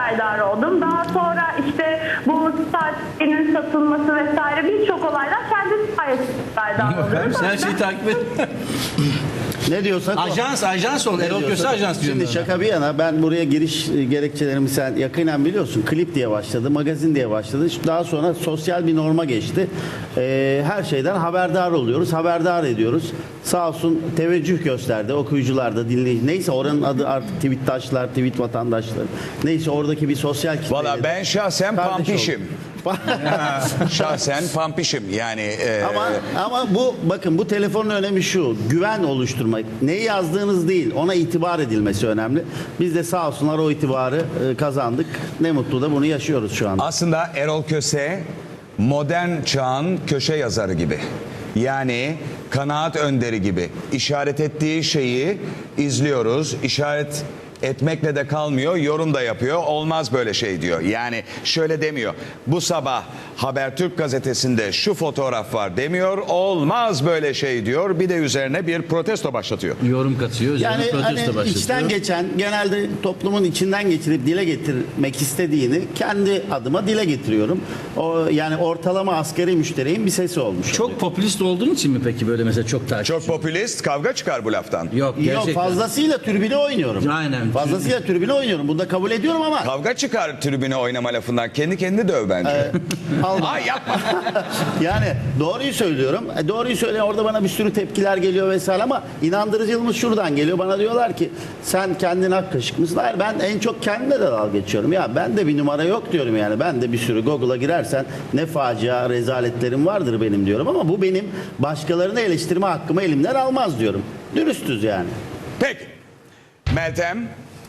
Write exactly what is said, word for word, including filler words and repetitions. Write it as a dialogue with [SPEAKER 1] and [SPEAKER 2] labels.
[SPEAKER 1] haberdar oldum. Daha sonra işte bu startinin satılması vesaire birçok olaydan kendi sayesinde haberdar oldum.
[SPEAKER 2] Sen şeyi takip et.
[SPEAKER 3] Ne diyorsak o.
[SPEAKER 2] Ajans, ajans ol. Erol Köse ajans diyorum.
[SPEAKER 3] Şimdi şaka bir yana, ben buraya giriş gerekçelerimi sen yakinen biliyorsun. Klip diye başladı, magazin diye başladı. Daha sonra sosyal bir norma geçti. Ee, her şeyden haberdar oluyoruz, haberdar ediyoruz. Sağ olsun teveccüh gösterdi okuyucular da, dinleyici. Neyse oranın adı artık tweettaşlar, tweet vatandaşları. Neyse oradaki bir sosyal kitle.
[SPEAKER 4] Valla ben şahsen
[SPEAKER 3] Kardeş
[SPEAKER 4] pampişim.
[SPEAKER 3] olduk.
[SPEAKER 4] Şahsen pampişim yani. E,
[SPEAKER 3] Ama ama bu bakın, bu telefonun önemi şu: güven oluşturmak. Neyi yazdığınız değil, ona itibar edilmesi önemli. Biz de sağ olsunlar o itibarı e, kazandık. Ne mutlu da bunu yaşıyoruz şu anda.
[SPEAKER 4] Aslında Erol Köse modern çağın köşe yazarı gibi. Yani kanaat önderi gibi. İşaret ettiği şeyi izliyoruz. İşaret etmekle de kalmıyor, yorum da yapıyor. Olmaz böyle şey diyor. Yani şöyle demiyor. Bu sabah Habertürk gazetesinde şu fotoğraf var demiyor. Olmaz böyle şey diyor. Bir de üzerine bir protesto başlatıyor.
[SPEAKER 2] Yorum katıyor.
[SPEAKER 3] Yani
[SPEAKER 2] Yani
[SPEAKER 3] hani
[SPEAKER 2] başlatıyor.
[SPEAKER 3] içten geçen, genelde toplumun içinden geçirip dile getirmek istediğini kendi adıma dile getiriyorum. O yani ortalama asgari müşterinin bir sesi olmuş.
[SPEAKER 2] Çok popülist olduğun için mi peki böyle mesela çok takip?
[SPEAKER 4] Çok popülist, kavga çıkar bu laftan.
[SPEAKER 2] Yok gerçekten.
[SPEAKER 3] Yok, fazlasıyla tribüne oynuyorum.
[SPEAKER 2] Aynen.
[SPEAKER 3] Fazlasıyla tribüne oynuyorum. Bunu da kabul ediyorum ama
[SPEAKER 4] Kavga çıkar tribüne oynama lafından. Kendi kendini döv bence.
[SPEAKER 3] Al-
[SPEAKER 4] Ay yapma.
[SPEAKER 3] yani doğruyu söylüyorum. E, doğruyu söyle, orada bana bir sürü tepkiler geliyor vesaire ama inandırıcılığımız şuradan geliyor. Bana diyorlar ki sen kendin hak kaşık mısın? Hayır, ben en çok kendime de dalga geçiyorum. Ya ben de bir numara yok diyorum yani. Ben de bir sürü Google'a girersen ne facia rezaletlerim vardır benim diyorum ama bu benim başkalarını eleştirme hakkımı elimden almaz diyorum. Dürüstüz yani.
[SPEAKER 4] Peki. Meltem.